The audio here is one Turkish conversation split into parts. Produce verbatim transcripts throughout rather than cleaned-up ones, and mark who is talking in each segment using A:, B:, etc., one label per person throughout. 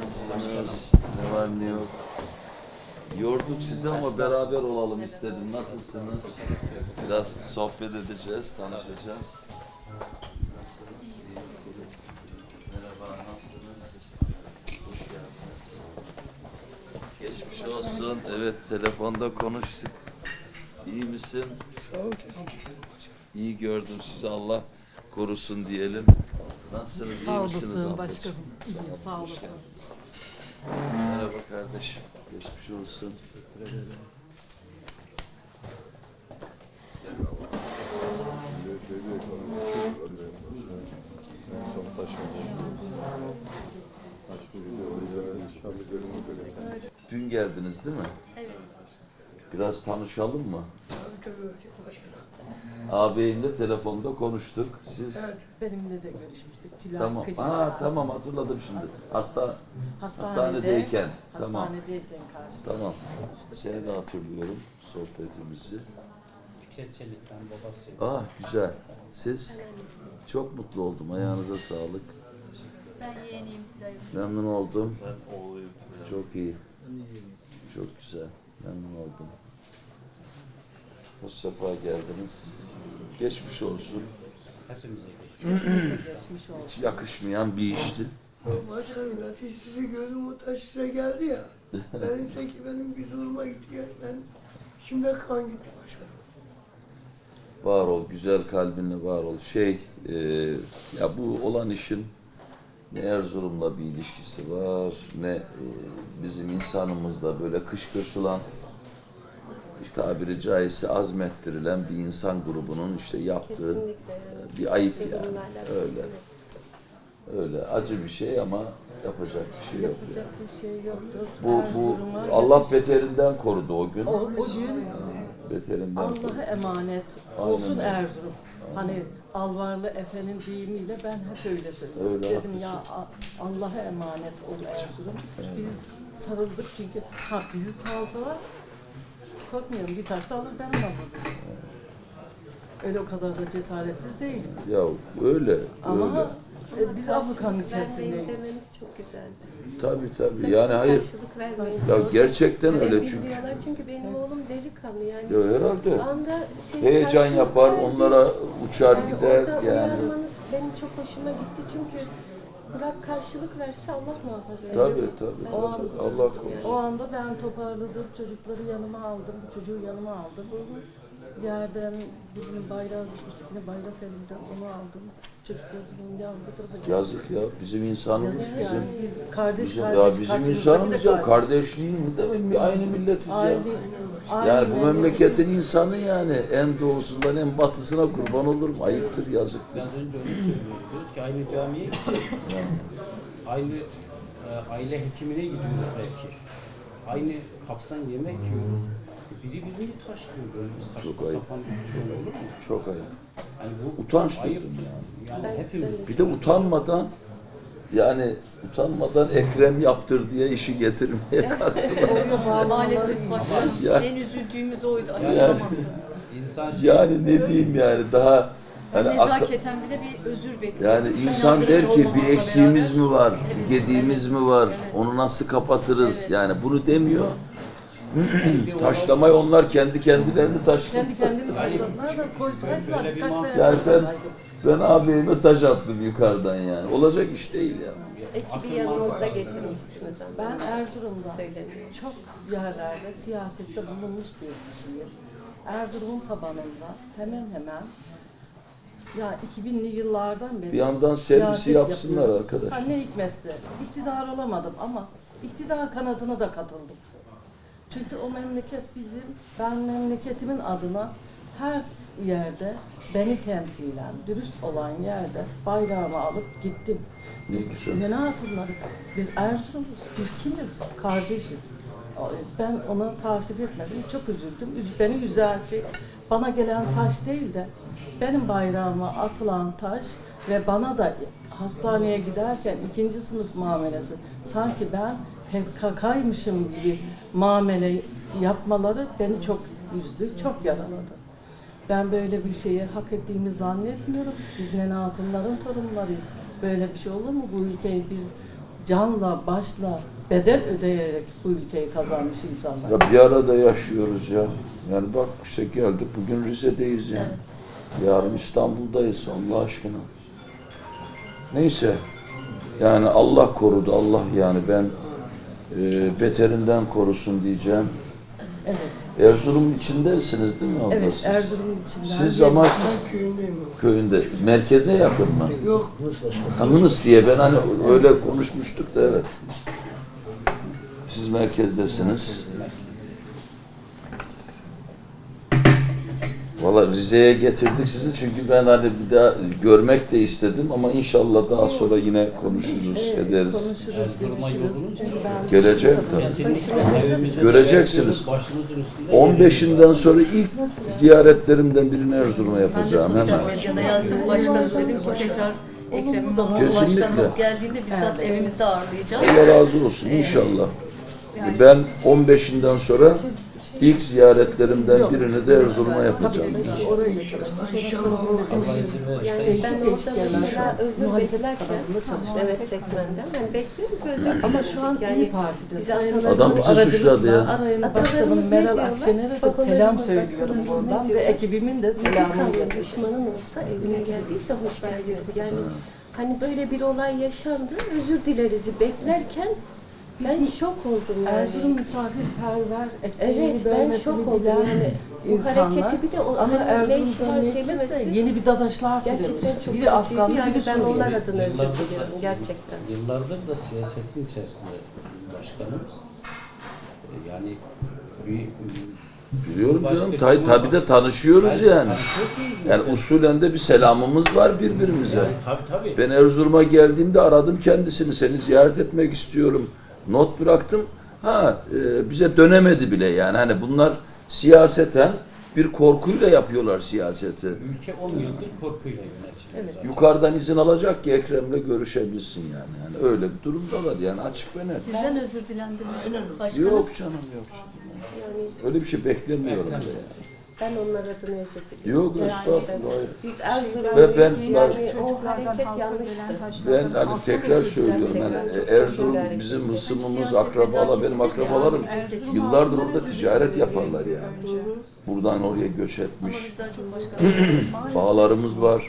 A: Nasılsınız? Ne var ne yok? Yorduk sizi ama beraber olalım istedim. Nasılsınız? Biraz sohbet edeceğiz, tanışacağız. Nasılsınız? İyisiniz? Merhaba, nasılsınız? Hoş geldiniz. Geçmiş olsun. Evet, telefonda konuştuk. İyi misin?
B: Sağ ol, teşekkür ederim.
A: İyi gördüm sizi. Allah korusun diyelim. Nasılsınız?
C: Sağ
A: İyi misiniz
C: olasın
A: ablacığım?
C: başkanım. İyiyim, sağ
A: Hoş
C: olasın.
A: geldiniz. Merhaba kardeşim. Geçmiş olsun. Dün geldiniz değil mi?
B: Evet.
A: Biraz tanışalım mı?
B: Tabii tabii başkanım.
A: Ağabeyimle telefonda konuştuk. Siz
B: Evet.
C: Benimle de görüşmüştük. Tülay
A: tamam.
C: Kıcık.
A: Aa tamam hatırladım şimdi. Hasta
C: Hastanede,
A: hastanedeyken. Tamam.
C: Hastanedeyken karşılaştık.
A: Tamam. Seni de hatırlıyorum sohbetimizi.
D: Keçelik'ten babası.
A: Ah güzel. Siz? Çok mutlu oldum. Ayağınıza sağlık.
E: Ben yeğeniyim Tülay'ım.
A: Memnun oldum.
D: Ben oğluyum.
A: Çok iyi. Çok güzel. Memnun oldum. Hoş sefa geldiniz. Geçmiş olsun.
D: Hepimize geçti.
C: Hepimize geçmiş olsun.
A: Hiç yakışmayan bir işti.
B: Başkanım ben sizi gördüm o taş size geldi ya. Ben ise ki benim bir zoruma gitti yani ben şimdi kan gitti başkanım.
A: Var ol, güzel kalbinle var ol. Şey, e, ya bu olan işin ne Erzurum'la bir ilişkisi var, ne e, bizim insanımızla böyle kışkırtılan, tabiri caizse azmettirilen bir insan grubunun işte yaptığı e, bir ayıp yani. Öyle. Öyle acı bir şey ama yapacak bir şey yok
C: Yapacak
A: yani.
C: bir şey yoktur.
A: Bu, bu
C: Erzurum'a
A: Allah
C: yakış-
A: beterinden korudu o gün.
C: O, o gün
A: Beterinden korudu.
C: Allah'a emanet
A: Aynen
C: olsun
A: öyle.
C: Erzurum. Hani Alvarlı Efe'nin deyimiyle ben hep öyle söylüyorum.
A: Öyle,
C: Dedim
A: haklısın.
C: ya A- Allah'a emanet ol Erzurum. Biz sarıldık çünkü ha bizi salsalar korkmuyorum bir taş da alır ben ona vururum. Öyle o kadar da cesaretsiz değilim.
A: Ya öyle,
C: Ama
A: öyle.
C: e, biz Afrika'nın
E: Vermeyin
C: içerisindeyiz.
E: demeniz çok güzeldi.
A: Tabii tabii.
E: Sakın
A: Yani hayır.
E: Karşılık vermeyin.
A: Ya gerçekten
E: Hani
A: öyle
E: biz
A: çünkü.
E: diyorlar çünkü benim oğlum delikanlı yani.
A: Ya herhalde.
E: Anda şey,
A: Heyecan
E: karşılık
A: yapar,
E: verdi.
A: onlara uçar
E: Yani
A: gider
E: orada
A: yani.
E: uyarmanız benim çok hoşuma gitti çünkü bırak karşılık verse Allah muhafaza eder.
A: Tabii tabii.
E: Ben
C: O
A: tabii.
E: çok
A: Allah
E: üzüldüm
A: korusun.
C: O anda ben toparladım, çocukları yanıma aldım, bu çocuğu yanıma aldım. Yerden birinin bayrağı düşmüştü, yine bayrak elimden onu aldım. Çocukları dedim ya bu tarafa gel.
A: Yazık ya. Bizim insanımız
C: Yazık
A: bizim.
C: yani. Biz kardeş
A: Bizim,
C: kardeş.
A: ya bizim
C: kaçımızda
A: insanımız
C: bile
A: ya. Kardeşliğin mi değil mi? Aynı milletiz ya.
C: Aynı, aynı
A: Yani bu
C: memleket.
A: memleketin insanı yani en doğusundan en batısına kurban olurum. Ayıptır, yazıktır.
D: Biraz önce onu söylüyoruz. Diyoruz ki aynı camiye gidiyoruz. Aynı e, aile hekimine gidiyoruz belki. Aynı kaptan yemek yiyoruz. Biri birini taşlıyor. Böyle bir saçma
A: Çok ayıp.
D: sapan bir şey olur mu?
A: Çok ayıp.
D: Yani bu
A: Utanç
D: ayıp.
A: duydum yani.
D: Yani
E: Ben-
D: hepimiz.
E: ben-
A: Bir de utanmadan yani utanmadan Ekrem yaptır diye işi getirmeye kalktılar.
C: Oraya bağlı
E: Maalesef başkanım.
A: Ya.
E: En üzüldüğümüz oydu
A: Yani-
E: açıklaması.
D: İnsan
A: Yani ne diyeyim yani daha
E: Ben
A: hani akıl-
E: nezaketen bile bir özür bekliyorum.
A: yani
E: Ben
A: insan
E: hazırlık
A: der ki
E: olmamakla
A: bir eksiğimiz
E: beraber-
A: mi var,
E: Evet,
A: bir gediğimiz
E: evet,
A: mi var,
E: evet.
A: onu nasıl kapatırız?
E: Evet.
A: Yani bunu demiyor. Taşlamayı onlar kendi kendilerini taşladı.
C: kendi kendini taşladılar da koysaydılar
D: Böyle bir
C: birkaç
D: mantık-
C: tane
A: Yani ben,
C: taşlasaydık.
A: ben ağabeyime taş attım yukarıdan yani. Olacak iş değil ya.
E: Ekibi yanınızda getirmişsiniz ama.
C: Ben Erzurum'da
E: Söyleniyor.
C: çok yerlerde siyasette bulunmuş bir kişiyim. Erzurum'un tabanında hemen hemen ya iki binli yıllardan beri
A: Bir yandan servisi
C: siyaset
A: yapsınlar
C: yapıyoruz.
A: arkadaşlar.
C: Ha, ne hikmetse iktidar olamadım ama iktidar kanadına da katıldım. Çünkü o memleket bizim, ben memleketimin adına her yerde beni temsilen, dürüst olan yerde bayrağımı alıp gittim. Biz
A: Güzel.
C: ne hatunları, biz Erzurum'uz, biz kimiz? Kardeşiz. Ben ona tavsiye etmedim, çok üzüldüm. Üz- Beni üzen şey, bana gelen taş değil de benim bayrağıma atılan taş ve bana da hastaneye giderken ikinci sınıf muamelesi, sanki ben P K K'ymışım gibi muamele yapmaları beni çok üzdü, çok yaraladı. Ben böyle bir şeyi hak ettiğimi zannetmiyorum. Biz Nene Hatunların torunlarıyız. Böyle bir şey olur mu? Bu ülkeyi biz canla, başla, bedel ödeyerek bu ülkeyi kazanmış insanlar.
A: Ya bir arada yaşıyoruz ya. Yani bak işte geldik bugün Rize'deyiz yani. Yarın İstanbul'dayız Allah aşkına. Neyse. Yani Allah korudu. Allah yani ben e, beterinden korusun diyeceğim.
C: Evet.
A: Erzurum'un içindesiniz değil mi abla
C: Evet,
A: siz?
C: Erzurum'un içinden.
A: Siz ama
B: Ben köyündeyim ama.
A: köyünde. Merkeze yakın mı?
B: Yok.
A: Hanınız diye ben hani öyle konuşmuştuk da evet. Siz merkezdesiniz. Valla Rize'ye getirdik sizi çünkü ben hani bir daha görmek de istedim ama inşallah daha sonra yine konuşuruz, ederiz.
C: Konuşuruz,
D: Erzurum'a
C: görüşürüz.
D: yolunuz
C: Çünkü ben
A: Gelecek tabii.
D: Kesinlikle evimize
A: Göreceksiniz.
D: başımızın üstünde
A: on beşinden sonra ilk ziyaretlerimden birini Erzurum'a
F: Ben de
A: yapacağım
F: sosyal
A: hemen.
F: medyada yazdım başkanım dedim ki tekrar Ekrem İmamoğlu
A: Kesinlikle.
F: başkanımız geldiğinde bizzat evimizde ağırlayacağız.
A: Allah razı olsun inşallah. Ben on beşinden sonra ilk ziyaretlerimden birini de Erzurum'a yapacağım.
C: tabii ki orayı da çalıştım.
B: İnşallah Allah.
E: Yani
C: Değişik
E: ben
C: değişik
E: orada
C: yerler
E: mesela
C: şu an.
E: özür
C: Muhalefet
E: beklerken
C: kanalında çalıştım.
E: evet segmentten hani bekliyorum ki özür
C: Ama şu an
E: yani
C: İYİ Parti'de.
E: bizi
C: Sayın
E: atalarımız-
A: Adam bizi
C: aracılıkla
A: suçladı ya.
C: Sayın
E: Atalarımız
C: Başkanım
E: ne
C: Meral
E: diyorlar?
C: Akşener'e de
E: Babalarımız,
C: selam söylüyorum
E: atalarımız
C: buradan
E: ne
C: ve
E: diyorlar?
C: ekibimin de
E: Selamı
C: selamını iletiyorum.
E: düşmanın olsa evine geldiyse hoş geldin. Yani hani böyle bir olay yaşandı, özür dileriz beklerken ben şok oldum yani.
C: Erzurum misafirperver, ekmeğini
E: Evet, ben
C: bölmesini
E: şok oldum
C: bilen
E: yani. Bu
C: insanlar.
E: hareketi bir de o
C: Ama
E: hani
C: Erzurum'da
E: Leyşvar
C: neyse
E: kelimesi
C: yeni bir dadaşlar
E: gerçekten
C: türemiş.
E: çok
C: Biri Afgan,
E: kötüydü. Yani
C: biri
E: ben onlar
C: Suriyeli.
E: adına özür
D: Yıllardır
E: diliyorum
D: da-
E: gerçekten.
D: Yıllardır da siyasetin içerisinde başkanımız. E, Yani bir
A: Biliyorum canım.
D: Başka
A: Tabii
D: bir-
A: tabi de tanışıyoruz yani.
D: Tanışıyorsunuz
A: Yani
D: zaten.
A: usulen de bir selamımız var birbirimize.
D: Tabii tabii.
A: Ben Erzurum'a geldiğimde aradım kendisini. Seni ziyaret etmek istiyorum. Not bıraktım. Ha e, bize dönemedi bile yani. Hani bunlar siyaseten bir korkuyla yapıyorlar siyaseti.
D: Ülke on yıldır korkuyla yönetiliyor.
C: Evet.
D: zaten.
A: Yukarıdan izin alacak ki Ekrem'le görüşebilsin yani. Yani öyle bir durumdalar yani açık ve net.
F: Sizden özür dilendi mi? Başkanım.
A: Yok canım yok.
E: Yani
A: Öyle bir şey beklemiyorum da yani.
E: ben onlar adına özür diliyorum.
A: Yok
E: Yani
A: estağfurullah. hayır.
E: Biz Erzurum'dayız
A: Ve ben-
E: yani o hareket yanlıştı.
A: Ben hani tekrar söylüyorum yani
E: Gerçekten
A: Erzurum
E: çok
A: bizim hısımımız,
F: Siyaset
A: akrabalar, benim
F: nezaketidir
A: akrabalarım
F: yani. Seçim
A: yıllardır orada ticaret yaparlar yani. Buradan oraya göç
F: Ama
A: etmiş.
F: bizden çok başkanım.
A: Bağlarımız var.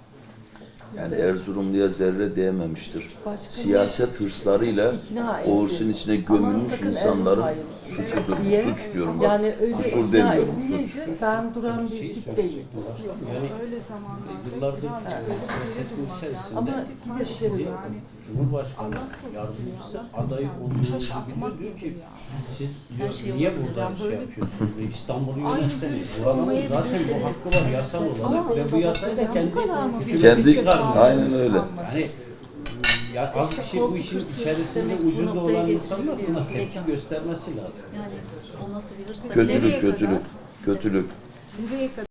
A: Yani Erzurumluya zerre değmemiştir.
C: Başka
A: Siyaset hırslarıyla
C: ikna etti.
A: o hırsın içine
C: Aman
A: gömülmüş
C: sakın
A: insanların
C: Erzurum'a
A: suçudur.
C: diye.
A: Suç diyorum bak.
C: Yani öyle
A: Kusur
C: ikna
A: demiyorum,
C: edildi,
A: suç.
C: ben duran bir
D: Şeyi
C: tip değil.
D: söyleyecektim başkanım. Yani yıllardır siyasetin içerisinde
C: Ama
D: sizi
C: giderim.
D: Cumhurbaşkanı yardımcısı aday olduğunuzu biliyor. Diyor ki siz diyor, niye burada şey yapıyorsunuz? Diyor, İstanbul'u yönetsene. Buranın zaten bu hakkı var yasal olarak ve bu yasayı da kendi hükümeti
A: Kendi
D: çıkarmıyor.
A: aynen öyle.
D: Yani ya az bir şey bu
F: koltuk
D: işin
F: hırsı
D: içerisinde
F: demek bu
D: ucunda
F: noktaya
D: olan insanlar
F: getiriliyor.
D: buna tepki
F: Mekan.
D: göstermesi lazım.
F: Yani o nasıl bir hırsa?
A: Kötülük, kötülük, kötülük.